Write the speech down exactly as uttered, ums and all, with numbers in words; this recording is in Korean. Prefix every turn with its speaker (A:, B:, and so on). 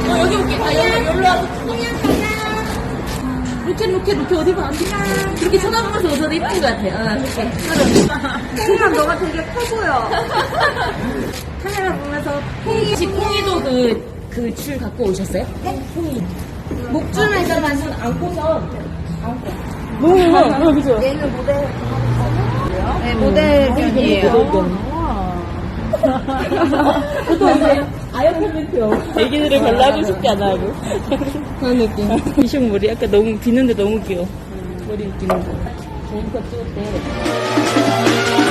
A: 어, 여기 올게. 아, 여기, 여기로 와서. 로켓, 로켓, 로켓 어디 봐. 이렇게 쳐다보면서 웃어도 이쁜 것 같아. 어, 이렇게.
B: 콩이야, 너가 되게 커 보여. 카메라 보면서.
A: 혹시 콩이도 그, 그 줄 갖고 오셨어요? 네? 콩이.
B: 목줄은
A: 일단 완전 안고서.
B: 너무 예뻐. 그죠? 얘는 모델. 네, 모델견이에요.
A: 아역 콘텐츠요.
C: 애기들을 별로 하고 싶지 않아 하고 그런 느낌. 이식 머리 약간 너무 비는데 너무 귀여워. 머리 웃기는 거.
A: 좋은 거 찍을 때.